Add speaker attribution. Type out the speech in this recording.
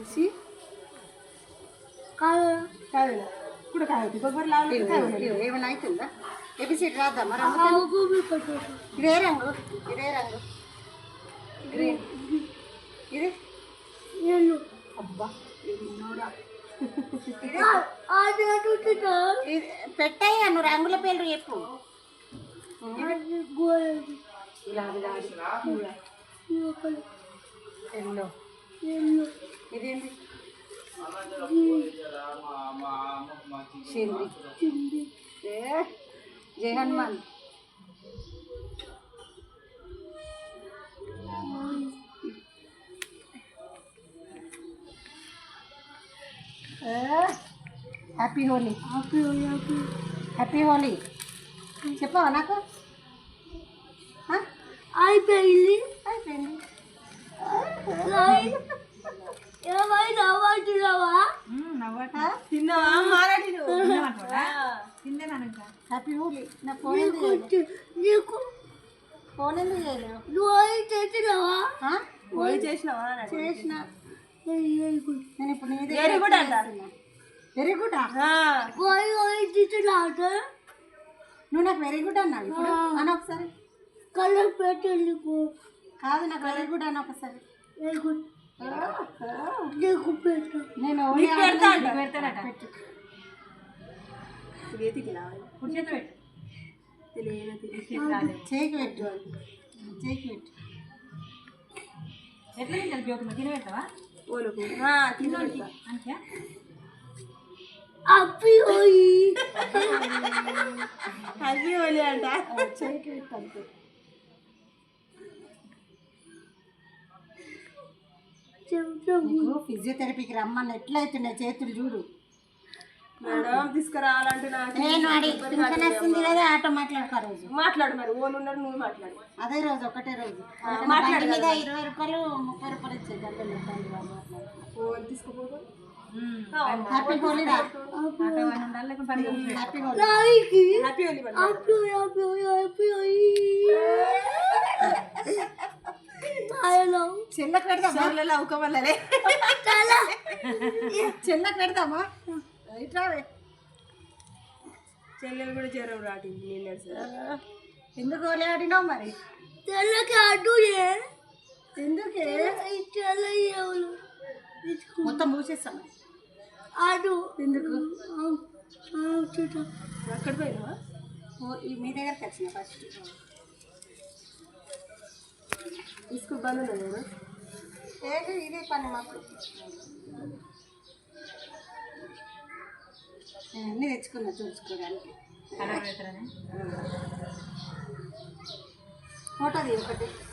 Speaker 1: सी काय कुठं काय होती बघ बरं लावलं काय होईल ఏమైనా అవుతుందా ఏబిసిడి రాద్దా మరి ఇదే రంగు గ్రీన్ ఇది అబ్బా పెట్టాయి నువ్వు రంగుల పేర్లు చెప్పు ఇలా ఎల్లో ఇదేంటి షింది జై హనుమాన్ హ్యాపీ హోలీ హ్యాపీ హోలీ చెప్పవా నాకు అయిపోయింది హ్యాపీ హోలీ నా ఫోన్ ఫోన్ ఎందుకు చేసినావా చేసిన నేను ఇప్పుడు వెరీ గుడ్ అంటాను వెరీ గుడ్ నువ్వు నాకు వెరీ గుడ్ అన్నావు ఇప్పుడు అని ఒకసారి కలర్ పెట్టండి కాదు నాకు వెరీ గుడ్ అని ఒకసారి వెరీ గుడ్ నేను చేయికి పెట్టు ఎట్లా తినబెడతావా తినబెడతా అంతే హ్యాపీ హోలీ అంట చేయికి పెట్టు అంతే ఫిజియోథెరపీకి రమ్మని ఎట్లయితున్నాయి చేతులు చూడు మేడం తీసుకురావాలంటే నేను వస్తుంది కదా ఆటో మాట్లాడుకో రోజు మాట్లాడు మరి ఓన్ ఉన్నాడు నువ్వు మాట్లాడు అదే రోజు ఒకటే రోజు మాట్లాడు మీద 20 రూపాయలు 30 రూపాయలు ఇచ్చేది ఓన్ తీసుకుపోదు హ్యాపీ హోలీ చెల్లకు పెడదామా అవుకోమల్లే చెల్లకు పెడదామా ఇట్రావే చెల్లెలు కూడా జ్వరం రాటింది ఎందుకు హోలీ ఆడినావు మరి చెల్లకి ఆడు ఎందుకే మొత్తం మూసేస్తాను ఆడు ఎందుకు అక్కడ పోయినావా మీ దగ్గరికి వచ్చిన ఫస్ట్ इसको बनो ना ఇదే పని మాకు అన్నీ తెచ్చుకున్నా చూసుకోవడానికి ఫోటో ఒకటి